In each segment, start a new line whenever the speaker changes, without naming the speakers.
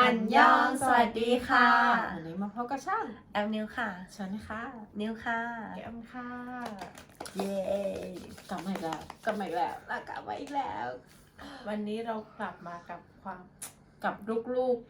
นยองสวัสดีค่ะ
วันนี้มาพบกับช่อง
แอมนิวค่ะ
ฉันค่ะ
นิวค่ะ
แก้มค่ะ
เย้
กลับมาอีกแล้ววันนี้เรากลับมากับลูก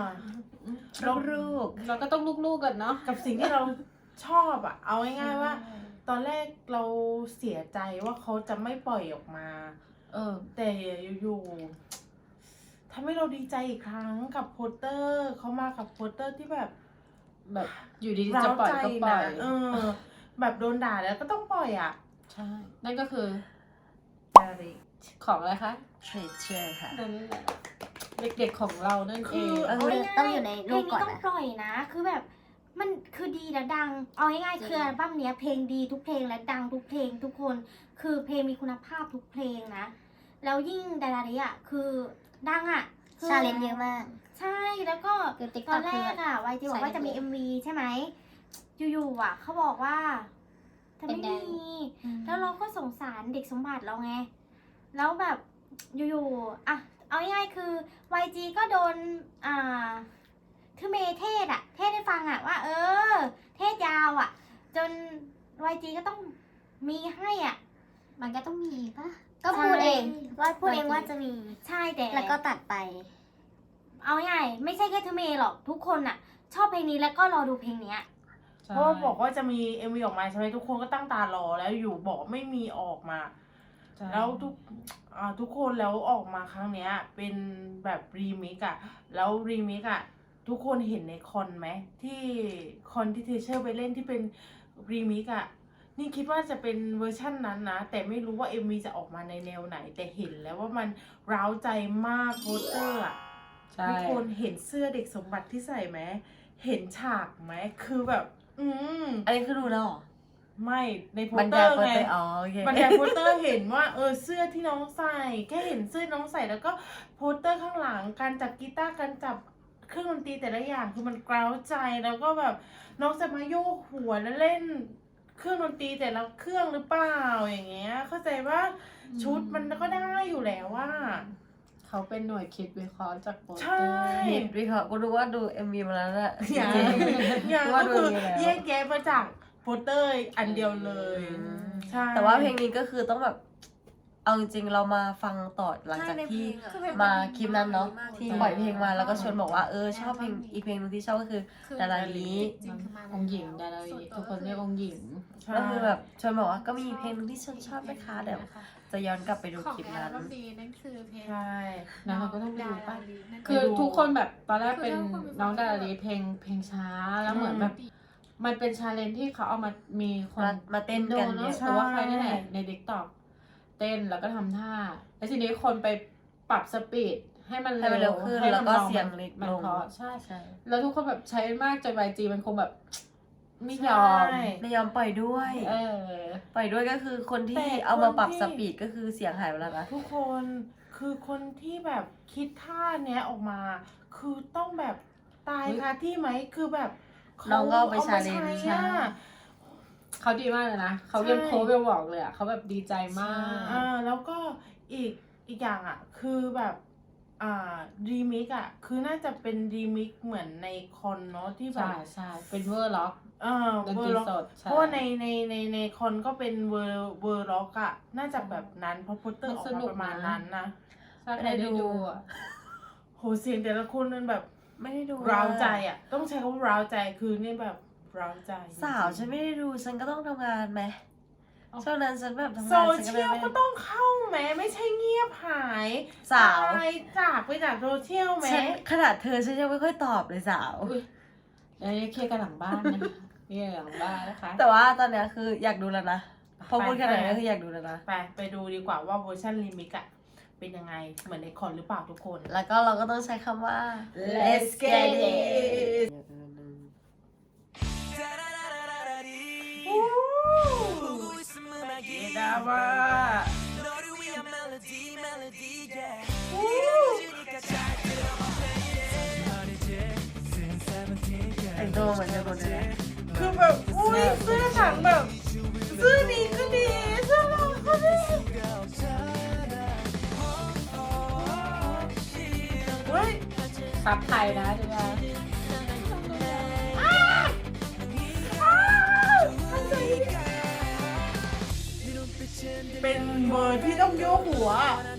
เราก็ต้องลูกกันเนาะกับสิ่งที่เราชอบอะเอาง่ายๆว่า ตอนแรกเราเสียใจว่าเขาจะไม่ปล่อยออกมาแต่อยู่ๆทำให้เราดีใจอีกครั้งกับโปสเตอร์เขามากับโปสเตอร์ที่แบบ
อยู่ดีๆจะปล่อยก็ปล่อย
แบบโดนด่าแล้วก็ต้องปล่อยอ่ะ
ใช่นั่นก็คือ
ดาริ
ของอะไรคะ
Treasure ค่ะ
นั่นแหละเด็กๆของเรานั่นเอง
ต้องอยู่ในรูปก่อน
เพลงนี้ต้องปล่อยนะคือแบบมันคือดีและดังเอาง่ายๆคืออัลบั้มเนี้ยเพลงดีทุกเพลงและดังทุกเพลงทุกคนคือเพลงมีคุณภาพทุกเพลงนะแล้วยิ่งดาราริอ่ะคือดังอ่ะ
ชาเลนจ์เยอะมาก
ใช่แล้วก็ตอนแรกอ่ะวายจีบอกว่าจะมี MV ใช่ไหมอยู่ๆอ่ะเขาบอกว่าจะไม่มีแล้วเราก็สงสารเด็กสมบัติเราไงแล้วแบบอยู่ๆอ่ะเอาง่ายๆคือ YG ก็โดนคือเมเทศให้ฟังอ่ะว่าเทศยาวอ่ะจน YG ก็ต้องมีให้อ่ะมันก็ต้องมีปะก็พูดเองว่าจะมีใช่แต่แล้วก็ตัดไปเอาง่ายไม่ใช่แค่ทูเมหรอกทุกคนอ่ะชอบเพลงนี้แล้วก็รอดูเพลงเนี้ย
เพราะว่าบอกว่าจะมี MV ออกมาใช่ไหมทุกคนก็ตั้งตารอแล้วอยู่บอกไม่มีออกมาแล้วทุกคนแล้วออกมาครั้งเนี้ยเป็นแบบรีมิกอะแล้วรีมิกอะทุกคนเห็นในคอนไหมที่คอนที่เทเชอร์ไปเล่นที่เป็นรีมิกอะนี่คิดว่าจะเป็นเวอร์ชั่นนั้นนะแต่ไม่รู้ว่า MV จะออกมาในแนวไหนแต่เห็นแล้วว่ามันร้าวใจมากโปสเตอร์อะทุกคนเห็นเสื้อเด็กสมบัติที่ใส่ไหมเห็นฉากไหมคือแบบ
อันนี้คือดูแล้วหรอ
ไม่ในโปสเตอร์ไงบรรยายโปสเตอร์เห็นว่าเสื้อที่น้องใส่แค่เห็นเสื้อน้องใส่แล้วก็โปสเตอร์ข้างหลังการจับกีตาร์การจับเครื่องดนตรีแต่ละอย่างคือมันกร้าวใจแล้วก็แบบน้องจะมาโยกหัวแล้วเล่นเครื่องดนตรีแต่ละเครื่องหรือเปล่าอย่างเงี้ยเข้าใจว่าชุดมันก็ได้อยู่แล้วว่า
เขาเป็นหน่วยคิดวิเคราะห์จากโปสเตอร์
ใช่
คิดวิเคราะห์กูรู้ว่าดู MV มาแล้วแหละ
อย่างก็คือแยกแยะมาจากโปสเตอร์อันเดียวเลยใช่
แต่ว่าเพลงนี้ก็คือต้องแบบเอาจริงๆเรามาฟังต่อหลังจากที่มาคลิปนั้นเนาะที่ปล่อยเพลงมาแล้วก็ชวนบอกว่าชอบเพลงอีกเพลงนึงที่ชอบก็คือดาราลี
องค์หญิงดาราลีทุกคนเรียกองค์หญิง
ก็คือแบบชวนบอกว่าก็มีเพลงนึงที่ฉันชอบนะคะเดี๋ยวจะย้อนกลับไปดูคลิปนั้น
นั่นคือเพลง
ใช่
นะเราก็ต้องดูป่ะคือทุกคนแบบตอนแรกเป็นน้องดาราลีเพลงช้าแล้วเหมือนแบบมันเป็นชาเลนจ์ที่เขาเอามีคน
มาเต้นกัน
เนาะแต่ว่าใครนี่แหละในTikTokเต้นแล้วก็ทำท่าแล้วทีนี้คนไปปรับสปีดให้มันเร็ว
ขึ้นแล้วก็เสียงเล็กลง
ใช่แล้วทุกคนแบบใช้มากจน YG มันคงแบบไม่ยอม
ปล่อยด้วยปล่อยด้วยก็คือคนที่เอามาปรับสปีดก็คือเสียงหายไปแล้วนะ
ทุกคนคือคนที่แบบคิดท่าเนี้ยออกมาคือต้องแบบตายคาที่ไหมคือแบบ
น้องก็ไปชาเลนจ์
เขาดีมากเลยนะเขายังโค้ชบอกเลยอ่ะเขาแบบดีใจมาก
แล้วก็อีกอย่างอ่ะคือแบบรีมิกอ่ะคือน่าจะเป็นรีมิกเหมือนในคอนเนาะที่แบบ
ใช่เป็นเวอร์ล็อก
เวอร์ล็อกเพราะว่าในคอนก็เป็นเวอร์ล็อกอ่ะน่าจะแบบนั้นเพราะโปสเตอร์ออกมาประมาณนั้นนะ
ถ้าใครได้ดูอ่ะ
โหเสียงแต่ละคนมันแบบ
ไม่ได้ดู
ร้าวใจอ่ะต้องใช้คำว่าร้าวใจคือนี่แบบร้าวใจ
สาวฉันไม่ได้ดูฉันก็ต้องทำงานไหมช่วงนั้นฉันแบบทำงาน
โซเชียลก็ต้องเข้าไหมไม่ใช่เงียบหาย
สาว
จากไปจากโซเชียลไหม
ขนาดเธอฉันยังไม่ค่อยตอบเลยสาว
เดี๋ยวเคลียร์กันหลังบ้านนะเคลียร์หลังบ้านนะคะ
แต่ว่าตอนนี้คืออยากดูแล้วนะพอพูดขนาดนี้คืออยากดูแล้วนะ
ไปดูดีกว่าว่าเวอร์ชันรีมิกอะเป็นยังไงเหมือนในคอนหรือเปล่าทุกคน
แล้วก็เราก็ต้องใช้คำว่า let's get it
ดาว่า
แต่งตัวเหมือนจะคนเลย
คือแบบอุ้ยเสื้อถังแบบเสื้อดีก็ดีเสื้อเราก็ดีเฮ้ย
ไปซับไทยนะดูนะ
เป็นเวอร์ที่ต้องโยกหัว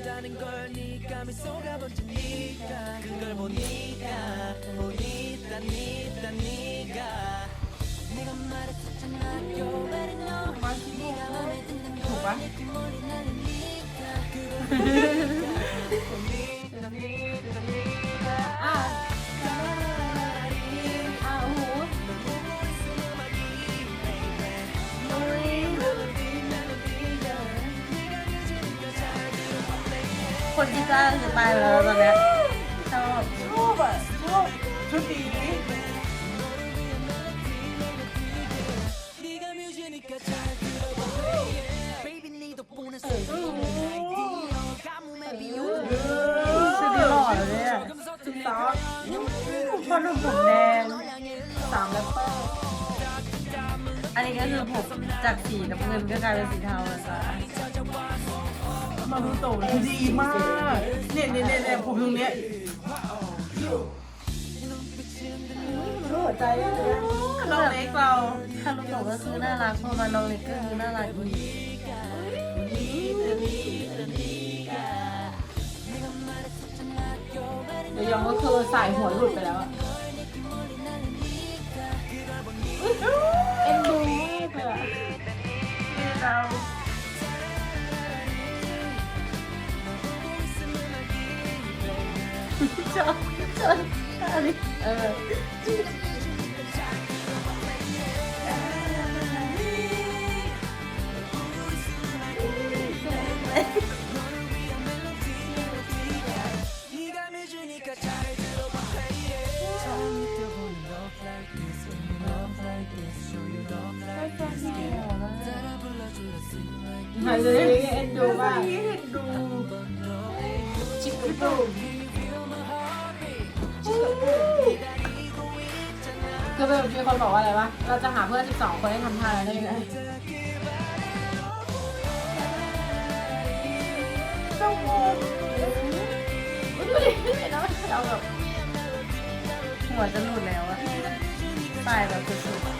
ถูกปะ
อ่ะอ่ะโอ้โห
คนที่จ้างคือตายไปแล้วตอนเนี้ยชอบ
ชอบอ่ะชอบชุดดี
ชุดนี้หล่อเลยเนี่ย
ชุดต๊อก
พอหนุ่มผมแดง
3 แล้วก็
อันนี้ก็คือผมจากสีน้ำเงินก็กลายเป็นสีเทาแล้วจ้ะ
มารุโตะคือดีมาก เนี่ยผมตรงเนี้ย
หัวใจเลยนะ
น้องเล็กเรา
ฮารุโตะก็คือน่ารักพอมาน้องเล็กก็คือน่ารักอีก
เดี๋ยวยองก็คือสายหัวหลุดไปแล้วอะเอ็นดูมากเลยอะ
เรา
ชอบอันนี้
เออ หายเลยเอ็นดูมาก
เห็นดู
ชิคกี้พายคือแบบมีคนบอกว่าอะไรวะ เราจะหาเพื่อน12 คนให้ทำท่าได้ยังไง
เจ้าโม
ดูดิเห็นไหมเราแบบ
หัวจะหลุดแล้วอะตายแบบสุดๆ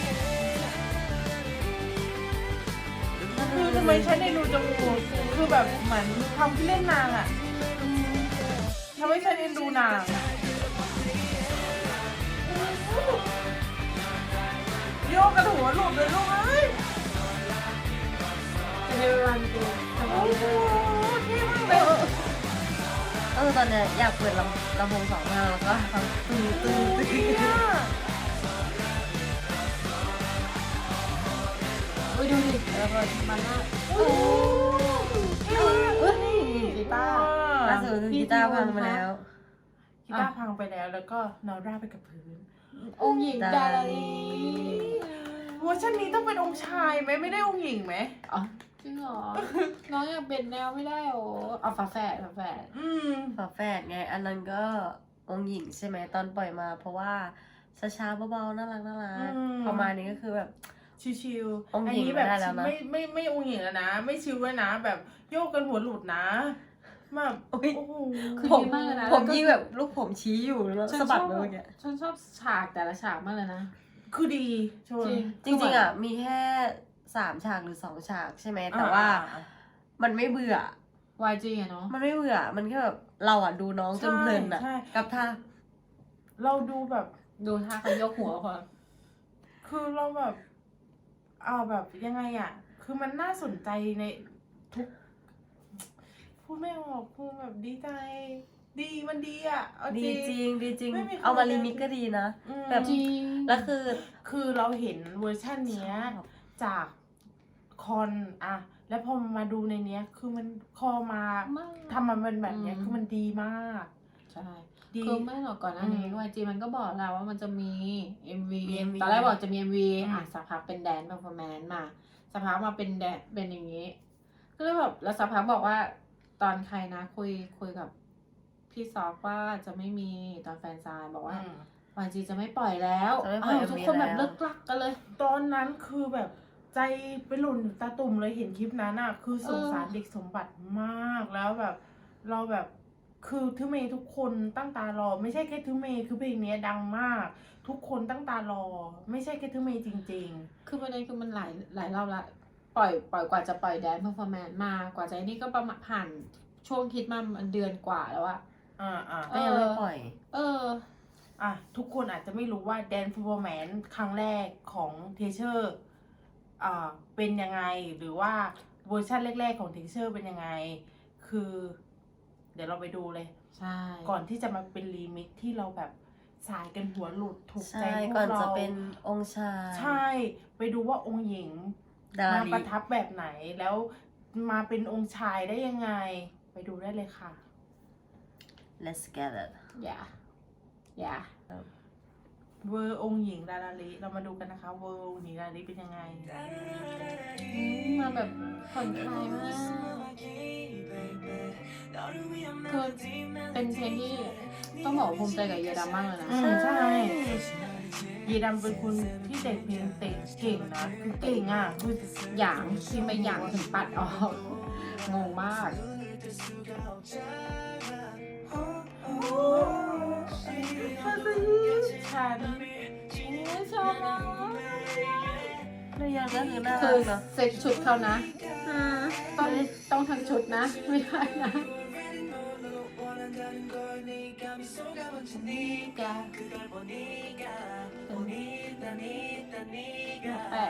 คือทำไมฉันได้ดูจมูกคือแบบเหมือนทำที่เล่นนางอ่ะทำให้ฉันเอ็นดูนางโยกกระหัวหลุดเลยลูกเอ้ย
จะให้วันกูทำ
โอ้
อะไร
โหเท่มากเลย
ตอนเนี้ยอยากเปิดลำโพงสองข้างแล้วก็ฟังตื้อตื้อตื้อ
เนี่ย
อุ้ยดูดิแล้วก็มันน่า
โอ้เท่มาก
เอ้ยกีตาร์
ล่าสุดคือกีตาร์พังไปแล้ว
กีตาร์พังไปแล้วก็นอนราบไปกับพื้น
องค์หญิงดาราลี
เวอร์ชันนี้ต้องเป็นองค์ชายไหมไม่ได้องค์หญิงไหม
อ๋อจริงเหรอ น้องอยากเป็นแนวไม่ได้โอ้เอาฝาแฝด
อืม
ฝาแฝดไง อันนั้นก็องค์หญิงใช่ไหมตอนปล่อยมา เพราะว่าช้าๆเบาๆน่ารักประมาณนี้ก็คือแบบ
ชิวๆ
องค์หญิง
นี้แบบ
ไม่ได้แล้วนะ
ไม่องค์หญิงแล้วนะ ไม่ชิวด้วยนะ แบบโยกกันหัวหลุดนะแบบ
โอ้ย
โอ้โห
คือ
ผม
ดีมากเลยนะ
ผมยิ่งแบบลูกผมชี้อยู่แล้วสะบัดไปเมื่อกี้
ฉันชอบฉากแต่ละฉากมากเลยนะ
คือดีชวน
จริงๆอ่ะมีแค่3 ฉากหรือ2 ฉากใช่ไหมแต่ว่ามันไม่เบื่อ
YG อะเนาะ
มันไม่เบื่อ มันแค่แบบเราอ่ะดูน้องจนเพลินอ่ะ
ใช่
กับท่า
เราดูแบบ
ดูท่าเขายกหัวพอ
คือเราแบบแบบยังไงอ่ะ คือมันน่าสนใจในทุกพูดไม่ออกคือแบบดีใจ ดีมันดีอ่ะเอา
ดี
จริง
จริงดีจริง
ไม่มีใคร
เอามารีมิกก็ดีนะ
อืม
แบบ
จริง
แล้วคือ
คือเราเห็นเวอร์ชันเนี้ย
ชอบ
จากคอนอะแล้วพอมาดูในเนี้ย คือมันพอมา
มาก
ทำมันเป็นแบบเนี้ย
อืม
คือมันดีมาก
ใช่
ดี
คือไม่หรอกก่อนหน้านี้ YG มันก็บอกแล้วว่ามันจะมี MV ตอนแรกบอกจะมี MV อ่ะสักพักเป็นแดนซ์เพอร์ฟอร์แมนซ์มาสักพักมาเป็นแดนเป็นอย่างนี้ ก็เลยแบบแล้วสักพักบอกว่าตอนใครนะคุยกับพี่ซอกว่าจะไม่มีตอนแฟนซายบอกว่า YG จะไม่ปล่อยแล้ว
จะไม่ปล่อย
ทุก
MV
คนแบบ
แล้ว
เลิกลักกันเลย
ตอนนั้นคือแบบใจไปหล่นตาตุ่มเลยเห็นคลิปนั้นอะคือสงสารเด็กสมบัติมากแล้วแบบ เราแบบคือทูเมย์ทุกคนตั้งตารอ ไม่ใช่แค่ทูเมย์คือเพลงนี้ดังมาก ทุกคนตั้งตารอ ไม่ใช่แค่ทูเมย์จริง
คือประเด็นคือมันหลายรอบละปล่อยกว่าจะปล่อยแดนเพอร์ฟอร์แมนซ์มากว่าจะนี่ก็ประมาณผ่านช่วงคิดมาเดือนกว่าแล้วอะ
ๆ
ก็ยังไม่ปล่อย
ทุกคนอาจจะไม่รู้ว่า Dance Performance ครั้งแรกของเทเชอร์เป็นยังไง หรือว่าเวอร์ชันแรกๆของเทเชอร์เป็นยังไง คือ เดี๋ยวเราไปดูเลย
ใช่
ก่อนที่จะมาเป็นรีมิกซ์ที่เราแบบสายกันหัวหลุดถูกใจ
ใช่
พว
ก่อก น
เรา
จะเป็นองค์ชาย
ใช่ ไปดูว่าองค์หญิง
ดา
มา
ลี
ประทับแบบไหน แล้วมาเป็นองค์ชายได้ยังไง ไปดูได้เลยค่ะ
let's get it
อย่า
เวอร์องค์หญิงดาราลิเรามาดูกันนะคะ เวอร์องค์หญิงดาราลิเป็นยังไง
มาแบบผ่อนคลายมากคือเป็นเพลงที่ต้องบอกว่าภูมิใจกับเยดามากเลยนะ
ใช่ เยดำเป็นคนที่แต่งเพลงเก่งนะ คือเก่งอ่ะคือ
อย่างที่ไม่อย่างถึงปัดออกงงมาก
ฉัน
ชอบมาก
เรื่องยังก็คือน่า
คื
รั
อก
เนาะ
เซ็ตชุดเขานะต้องทั้งชุดนะ ไม่ได้นะแปลก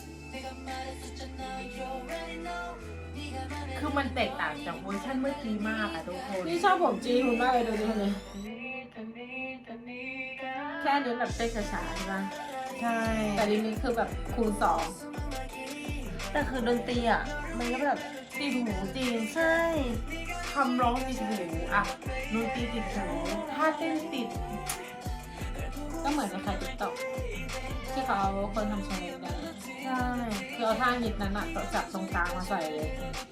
คือมันแตกต่างจากเวอร์ชันเมื่อกี้มากอะทุกคน
นี่ชอบผมจีคุณมากเลยดูดิคนนี้แค่นี้แบบเต้นช้าๆใช่ไหม
ใช่
แต่รีมิกคือแบบคูณสอง
แต่คือดนตรีอ่ะ มันก็แบบ
ติดหูจริง
ใช่
คำร้องติดหูอะดนตรีติดหูท่าเต้นติด
ก็เหมือนในใครติ๊กต็อกที่เขาเอาคนทำชาเลนจ์กัน
ใช่
คือเอาท่าฮิตนั้นอะจับตรงกลางมาใส่เลย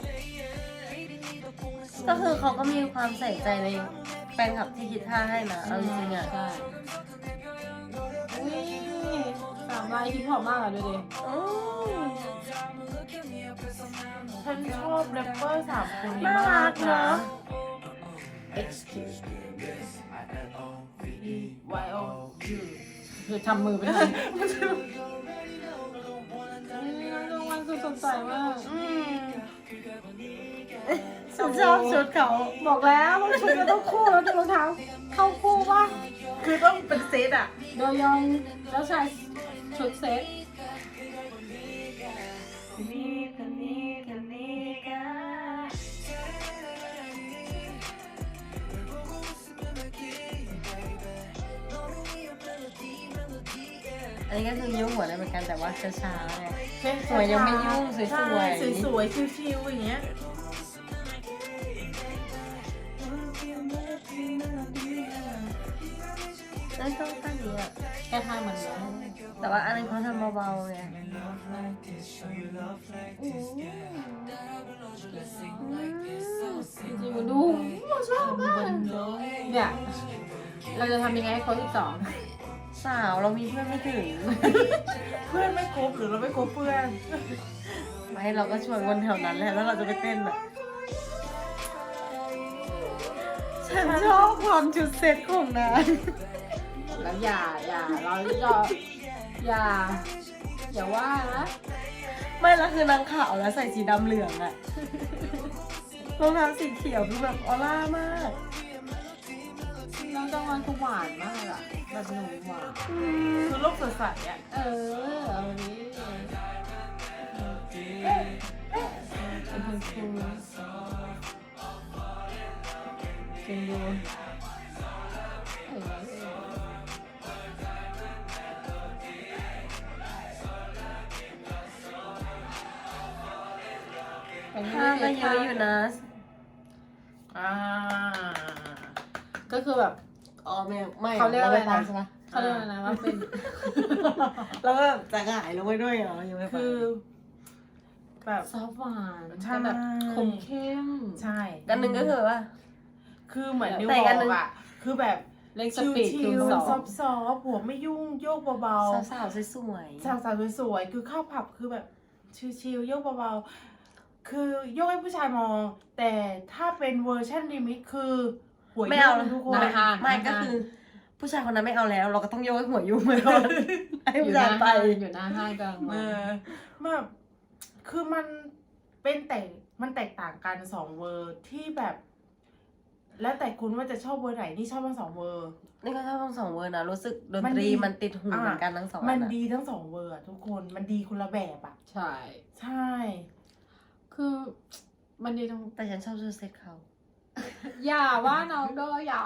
ก็คือเขาก็มีความใส่ใจในแฟนคลับที่คิดท่าให้นะเอาจริงๆอ่ะ
ใช่อุ้ยสามลายฮิปฮอปมากอะดูดิ
อืม
ฉันชอบแรปเปอร์สามคนนี้
น่าม
าก
รัก
นะ
เนาะ
Y O U
คือทำมือไปเลยรางวัลคือสดใสมาก
ฉันชอบชุดเขา
บอกแล้วว่าชุดมันต้องคู่แล้วแต่รองเท้าเข้าคู่ป่ะ
คือต้องเป็นเซตอะ
โดยองแล้วชายชุดเซ็ต
อันนี้ก็คือยุ่งหัวได้เหมือนกันแต่ว่าช้าๆไง
เช่น
สวยยังไม่ยุ่งสวยๆ
ใช่สวยๆชิวๆอย่างเงี้ย
นั่นก็ท่านี้อ่ะ
แค่ท่าเหมือนกัน
แต่ว่าอันนั้นเขาทำเบาๆไง
จริงๆมันดูชอบมากเนี่ยเราจะทำยังไงให้เขา12
สาวเรามีเพื่อนไม่ถึง
เพื่อนไม่ครบหรือเราไม่ครบเพื่อน
ไม่เราก็ชวนคนแถวนั้นแหละแล้วเราจะไปเต้นอ่ะ ฉันชอบความชุดเซ็ตของนาง
แล้วอย่าเราอย่าว่านะ
ไม่และคือนางขาวแล้วใส่สีดำเหลืองอะรองเท้าสีเขียวคือแบบออร่ามาก
น้องจังหวะคือหวานมากอะแบบหนุ่มหวาน
คือโลกสดใสอะ
เอานี้เป็นคนคูลจริงดู
ท่าก็เยอะอยู่นะ
ก็คือแบบ
อ๋อไม่
เขาเรียกอะไรนะ
ใช่ปะ
เขาเรียกอะไรนะว่าเป็น
แล้วก็แบบจะหงายลงไปด้วยเหรอยังไม่ไป
คือแบบ
ซอฟต์หวาน
ใช่
แต่แบบคมเข้ม
ใช่
กันหนึ่งก็คือว่า
คือเหมือนนิว
แต่
บ
กั
อน
หนึ่ง
กอะคือแบบ
เล่นส
ชิว
ปีดคูณ
ๆ
สอง
ซอฟต์ๆหัวไม่ยุ่งโยกเบา
สาวๆสวย
ๆสาวๆสวยๆคือเข้าผับคือแบบชิวๆโยกเบาๆคือโยกให้ผู้ชายมอง แต่ถ้าเป็นเวอร์ชันรีมิกซ์คือหัวหัว
ไม่
ยุ่
เอา
งทุกคน
หน้าห้าง
ไม่ก็คือ ผู้ชายคนนั้นไม่เอาแล้ว เราก็ต้องโยกให้หัวยุ่งไปก่อนให้
อยู่
ผู้
ห
ชา
น้าย
ไป
ห้างอยู่หน้าห้างกำลัง
เออแบบคือมันเป็นมันแตกต่างกัน2เวอร์ที่แบบ แล้วแต่คุณว่าจะชอบเวอร์ไหนนี่ชอบทั้ง2เวอร์
นี่ก็ชอบทั้งสองเวอร์นะรู้สึกดน
มัน
ตรี
ดี
มันติดหูเหมือนกันทั้งสอง
มัน
อันอะ
ดีทั้ง2เวอร์อะทุกคนมันดีคนละแบบอ่ะ
ใช่
ใช่
คือมันดีตรง
แต่ฉันชอบชุดเซ็ตเขา
อย่าว่าน้องด้วยอย่า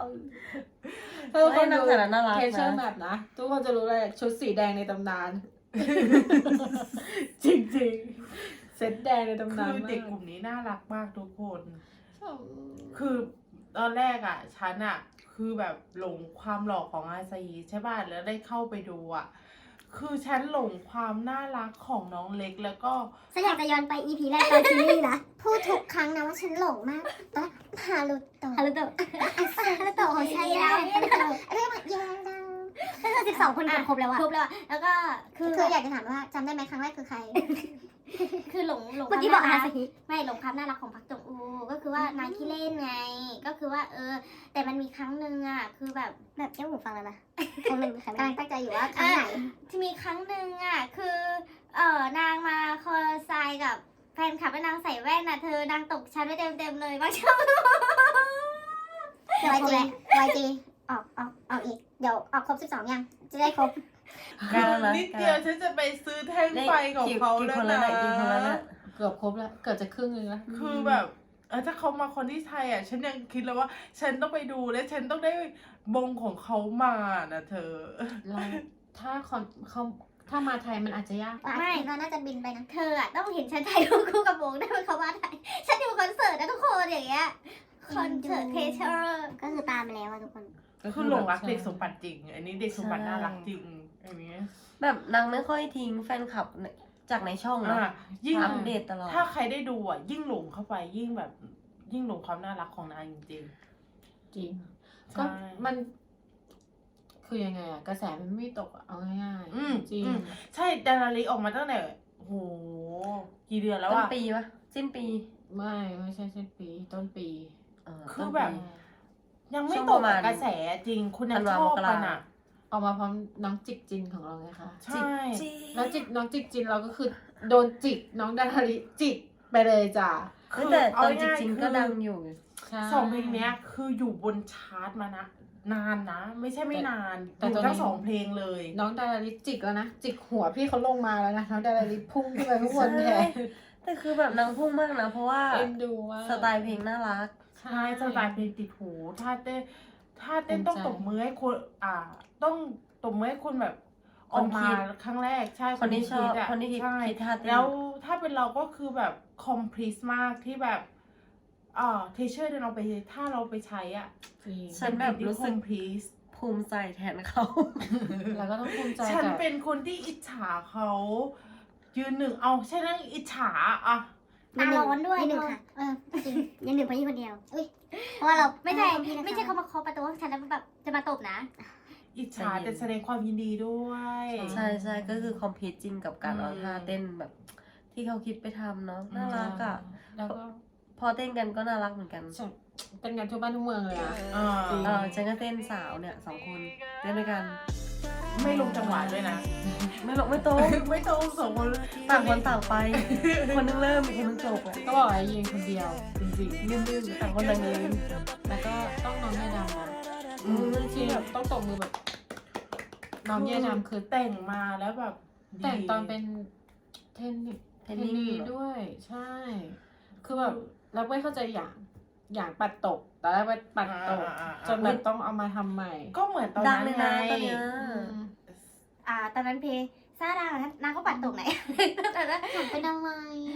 ให้นางแต่ละน่ารัก
เคเชอร์แม
นะ
ปนะ ทุกคนจะรู้เลยชุดสีแดงในตำนาน
จริง
เซตแดงใน
ๆ
ตำ
คื
นาน
อ
มา
เด็ก
ก
กลุ่มนี้น่ารักมากทุกคน
ชอบ
คือตอนแรกอ่ะฉันอ่ะคือแบบหลงความหล่อของอาซาฮีใช่ป่ะแล้วได้เข้าไปดูอ่ะคือฉันหลงความน่ารักของน้องเล็กแล้วก็
ฉันอยากจะย้อนไป EP แรกตอนซีรีส์นะ พูดทุกครั้งนะว่าฉันหลงมากตอนฮารุโตะ
ฮารุโตะ
ฮารุโตะของฉันแล้วเรื่องมันยาวดังก็คือ12 คนเกือบครบแล้วอะ
ครบแล้วอะแล้วก็คือ
อยากจะถามว่าจำได้ไหมครั้งแรกคือใคร
คือหลง
เมื่อกี้บอก
ควม
อา
น่า
ซา
รัก
ฮิ
ไม่หลงความน่ารักของพักจงอูก็คือว่านางขี้เล่นไง ก็คือว่าแต่มันมีครั้งหนึ่งอ่ะคือแบบ
แบบเจ้าหูฟังแล้วนะคงหนึ่งกำลังตั้งใจอยู่ว่าครั้งไหน
ที่มีครั้งหนึ่งอ่ะคือนางมาคอไซน์กับแฟนคลับแล้วนางใส่แว่นน่ะเธอนางตกชั้นไปเต็มเลยบางช่วง
เดี๋ยวYG ออกอีก เดี๋ยวออกครบ 12 ยัง จะได้ครบ
ได้แล้วนะ
นิดเดียวฉันจะไปซื้อแท่งไฟของเขา
กี่
แล้ว
คนแล้ว
นะ
เนี่ยกี่คนแล้วเนี่ย
เกือบครบแล้ว เกือบจะครึ่งนึงแล้ว
คือแบบถ้าเขามาคนที่ไทยอ่ะฉันยังคิดเลยว่า ฉันต้องไปดูและฉันต้องได้บงของเขามานะเธอ
เราถ้าเขาถ้ามาไทยมันอาจจะยาก
ไม่เราน่าจะบินไปนะ
เธออ่ะต้องเห็นฉันถ่ายรูปคู่กับวงได้เป็นเขามาถ่ายฉันอยู่คอนเสิร์ตนะทุกคนอย่างเงี้ยคอนเสิร์ตเพเชอร์
ก็คือตามไปแล้วอะทุกคน
คือหลงรักเด็กสมบัติจริง อันนี้เด็กสมบัติน่ารักจริงอันนี้
แบบนางไม่ค่อยทิ้งแฟนคลับจากในช่องนะ
ยิ่ง
อัปเดตตลอด
ถ้าใครได้ดูอ่ะ ยิ่งหลงเข้าไปยิ่งแบบยิ่งหลงความน่ารักของนางจริง
จริง
ๆ
ก็
ใช่
มัน คือยังไงอะกระแสมันไม่ตกอะเอาง่าย
อืม
ๆจริง
อืม ใช่ดานาริออกมาตั้งแต่โหกี่เดือนแล้ว
ต้น
อ่ะ
ปีปะสิ้นปี
ไม่ใช่สิ้นปี ต้นปี
คือ
ต้นปี
แบบ ยังไม่
ช่วง
ต
ป
ก
ระมาณ
กับกระแสจริง คุณยัง
ธัน
ช
วา
อบ
มกรา
กันอ่ะ
ออกมาพร้อมน้องจิกจินของเราไงคะ
ใช่
แล้วน้องจิกจินเราก็คือโดนจิกน้องดาราริจิกไปเลยจ้ะ
คือแต่ตอนจ
เาายๆ
ริงๆ
คือ
ก็ดังอยู่
ใช่
สองเพลงเนี้ยคืออยู่บนชาร์ตมานะ นานนะ ไม่ใช่ไม่นาน
แต่
อยู่
ตอนนี้
ทั้งสองเพลงเลย
น้องดาราริจิกแล้วนะ จิกหัวพี่เขาลงมาแล้วนะน้องดาราริพุ่งขึ้นไปข้างบนแทน
แต่คือแบบนางพุ่งมากนะ เพราะว่า
เอ็นดูมาก
สไตล์เพลงน่ารัก
ใช่สไตล์เพลงติดหูท่าเต้นต้อง
ภูมิใจ
ตบมือให้คนต้องตบมือให้คนแบบ
ค
อน อก
คิ
มา
ด
ครั้งแรกใช่
คนที่ชอบ
อะ
คนที่คิด
ใช่
ท่าเต้น
แล้วถ้าเป็นเราก็คือแบบคอมพลีสมากที่แบบเทเชอร์เดินเอาไปถ้าเราไปใช้อ่ะ
จริง
ฉันแบบรู้สึก
คอมพลีส
ภูมิใจแทนเขา
แล้วก็ต้องภูมิใจ
ฉัน
กับ
เป็นคนที่อิจฉาเขายืนหนึ่งเอาฉันนั่งอิจฉาอ่ะ
ตาร้อนด้วยหนึ่งค่ะ จริงยังหนึ่งเพราะยี่คนเดียว อุ้ย เพราะว่าเรา
ไม่ใช่
พี่นะคะ
ไม่ใช่เขามาเคาะประตูฉันแล้วแบบจะมาตบนะ
อิจฉา
ใจเย็น
แต่แสดงความยินดีด้วย
ใช่ใช่ก็คือคอมพิวจริงกับการเอาท่าเต้นแบบ ที่เขาคิดไปทำเนาะน่ารักอ่ะ
แล้วก็
พอเต้นกันก็น่ารักเหมือนกัน
เป็นงานทั่วบ้านทั่วเมืองเลยอะ จริง
ฉันก็เต้นสาวเนี่ย2 คนเต้นด้วยกัน
ไม่ลงจังหวะด้วยนะ
ไม่หลงไม่โตรง
ไม่ตรงสองคน
ต่างคนต่างไป คนนึงเริ่มอีกคนนึงจบอ่ะ
ก็บอกไอ้ยิงคนเดียว จริง
ยืนต่างคนต่างยืน
ๆ แล้วก็ต้องน้องแย่ดำนะ ที่แบบต้องตบมือแบบ น้องแย่ดำคือ
แต่งมาแล้วแบบดี
แต่งตอนเป็นเทนนิส
เทนนิส
ด้วย ใช่ คือแบบเราไม่เข้าใจอย่างปัดตกแต่แรกว่าปัดตกจนแบบต้องเอามาทำใหม่
ก็เหมือนตอน
ดัง
นั้น
เลย
ไง
นะตอนเนี้ย
ตอนนั้นเพซาดากับนางก็ปัดตกไหน แต่นั้น
หนูเป็นอะไร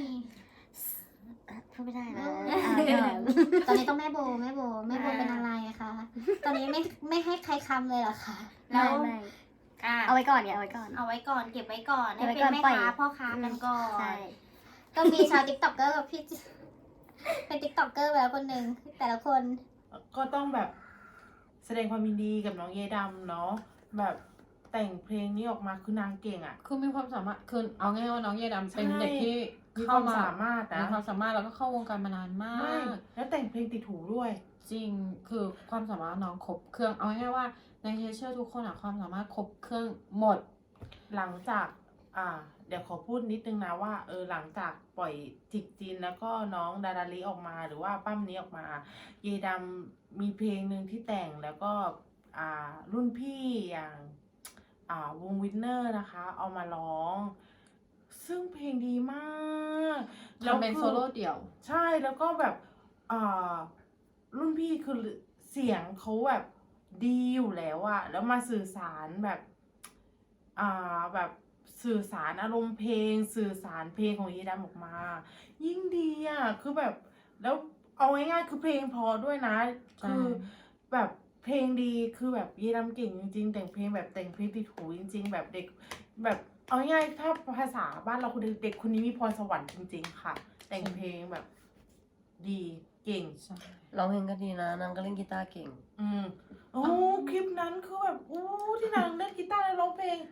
พูดไม่ได้นะ
เออ
ตอนนี้ต้องแม่โบเป็นอะไรอะคะ ตอนนี้ไม่ให้ใครคำเลยเหรอคะ
แล้ว
ไม่
อ่ะ
เอาไว้ก่อนอย่าเอาไว้ก่อน
เอาไว้ก่อนเก็บไว้ก่อน
เก็
ให้
บไว้
เป็น
ก่อน
แม่
ปล่อย
ค้าพ่อค้ากันก่อน
ใช่ ก็มีชาวติ๊กต็อกเกอร์กับพี่ เป็นติ๊กต็อกเกอร์ไปแล้วคนหนึ่งแต่ละคน
ก็ต้องแบบแสดงความยินดีกับน้องเยดำเนาะแบบแต่งเพลงนี้ออกมาคือนางเก่งอ่ะ
คือมีความสามารถคือเอาง่ายๆว่าน้องแย่ดำเป็น
ใช่
เด็กที่
มีค
เข้าว
าม
มา
สามารถ
มี
นะ
ความสามารถแล้วก็เข้าวงการมานานมา
ไม่
ก
แล้วแต่งเพลงติดหูด้วย
จริงคือความสามารถน้องครบเครื่องเอาง่ายๆว่าในเทเชอร์ทุกคนอะความสามารถครบเครื่องหมด
หลังจากเดี๋ยวขอพูดนิดนึงนะว่าหลังจากปล่อยจิกจินแล้วก็น้องดาราลีออกมาหรือว่าปั้มนี้ออกมาเยดำมีเพลงหนึ่งที่แต่งแล้วก็รุ่นพี่อย่างวงวินเนอร์นะคะ เอามาร้อง ซึ่งเพลงดีมากแล้ว
ทำเป็นโซโล่เดี่ยว
ใช่แล้วก็แบบรุ่นพี่คือเสียงเขาแบบดีอยู่แล้วอะแล้วมาสื่อสารแบบแบบสื่อสารอารมณ์เพลงสื่อสารเพลงของเยดำออกมา ยิ่งดีอะคือแบบแล้วเอาง่ายๆคือเพลงเพอด้วยนะ
ใช่
คือแบบเพลงดีคือแบบเยดำเก่งจริงๆแต่งเพลงแบบแต่งเพลงติดหูจริง ๆ แบบเด็กแบบเอาง่ายๆถ้าภาษาบ้านเราคือเด็กคนนี้มีพรสวรรค์จริงๆค่ะ แต่งเพลงแบบดีเก่ง
ใช่
ร้องเพลงก็ดีนะนางก็เล่นกีตาร์เก่ง
โอ้คลิปนั้นคือแบบโอ้ที่นางเล่นกีตาร์แล้วร้องเพลง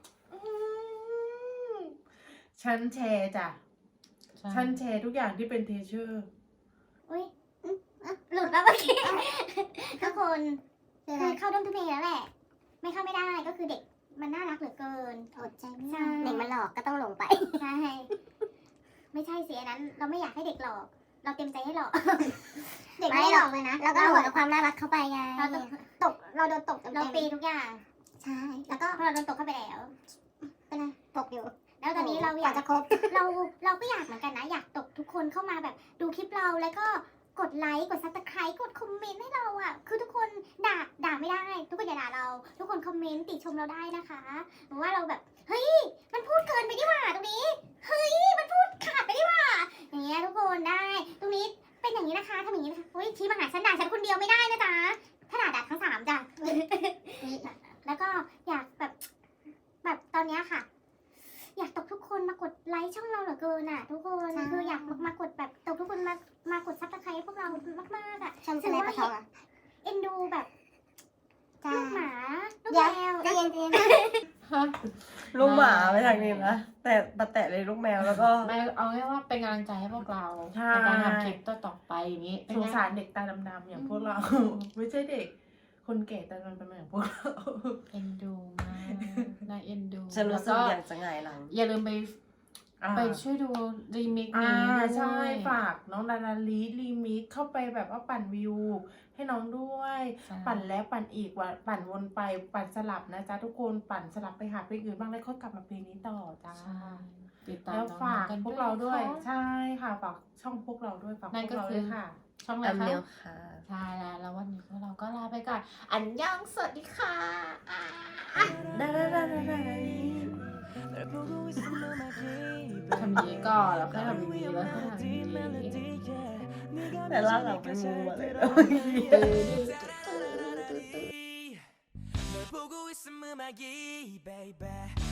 ฉันแชร์จ้ะ
ใช่
ฉันแชร์ทุกอย่างที่เป็นเทเชอร์
อุ้ยหลุดแล้วเมื่อกี้ ทุกคนคือเข้าด้อมทุกเพลงแล้วแหละ ไม่เข้าไม่ได้ก็คือเด็กมันน่ารักเหลือเกินอดใจไม่ได้เด็กมันหลอกก็ต้องหลงไปใช่ไม่ใช่สิอันนั้น เราไม่อยากให้เด็กหลอก เราเต็มใจให้หลอก เด็กไม่ได้หลอกเลยนะเราก็หลอกความน่ารักเข้าไปไงเราตกเราโดนตกเราปีทุกอย่างใช่แล้วก็พอเราโดนตกเข้าไปแล้วเป็นไงตกอยู่ แล้วตอนนี้เราอยากจะครบเราก็อยากเหมือนกันนะอยากตกทุกคนเข้ามาแบบดูคลิปเราแล้วก็กดไลค์กดซับสไครต์กดคอมเมนต์ให้เราอ่ะคือทุกคนด่าไม่ได้ ทุกคนอย่าด่าเรา ทุกคนคอมเมนต์ติชมเราได้นะคะหรือว่าเราแบบเฮ้ยมันพูดเกินไปดีกว่าตรงนี้เฮ้ยมันพูดขาดไปดีกว่าอย่างเงี้ยทุกคนได้ตรงนี้เป็นอย่างนี้นะคะทำอย่างนี้นะคะเฮ้ยชี้มาหาฉันด่าฉันคนเดียวไม่ได้นะจ๊ะถ้าด่าทั้งสามจ้ะ แล้วก็อยากแบบตอนเนี้ยค่ะ อยากตกทุกคนมากดไลค์ช่องเราเหลือเกินอ่ะ ทุกคนคืออยากมากดแบบตกทุกคนมากดซับสไครต์พวกเรามากๆอ่ะถือว่าเอ็นดูแบบลูกหมาลูกแมวเย็น
ฮะ
ลูกหมาไปทางนี้นะแต่แตะเลยลูกแมวแล้วก็
ไม่เอาง่ายว่าเป็นกำลังใจให้พวกเรา
ใช่
ในการทำคลิปต่อๆไปอย่างนี้
สงสารเด็กตาดำๆอย่างพวกเรา ไม่ใช่เด็ก คนแก่ตาดำๆอย่างพวกเรา
เอ็นดูมากน่าเอ็นดู
ฉันรู้สึก
แล้ว
อยากจะหงายหลัง
อย่าลืมไปช่วยดูรีมิกนี้ด้วย
ใช่ฝากน้องดาราลีรีมิกเข้าไปแบบว่าปั่นวิว ให้น้องด้วย
ใช่
ปั่นแล้วปั่นอีกว่าปั่นวนไปปั่นสลับนะจ๊ะทุกคนปั่นสลับไปหาเพลงอื่นบ้างแล้วค่อยกลับมาเพลงนี้ต่อจ้า
ใช่ติดตาม
แล้ว
น้อง
ฝาก
ๆกัน
พวกเราด้วย
นะคะ
ใช่ค่ะฝากช่องพวกเราด้วยฝากพ
นั่
วน ก
ก็
เรา
คื
ด้
อ
วยค่ะ
ช่องอะไร
แอม
คะ
เนียวค่ะ
ใช่แล้ววันนี้พวกเราก็ลาไปก่อน อันยองสวัสดีค่ะ
ได้
ทำนี้ก่อนแล้วค่อยทำนี้แล้วค่อยทำนี้
แต่ล่าหลังเป็นงูอะไรนะ
널 보고 있음 음악이 baby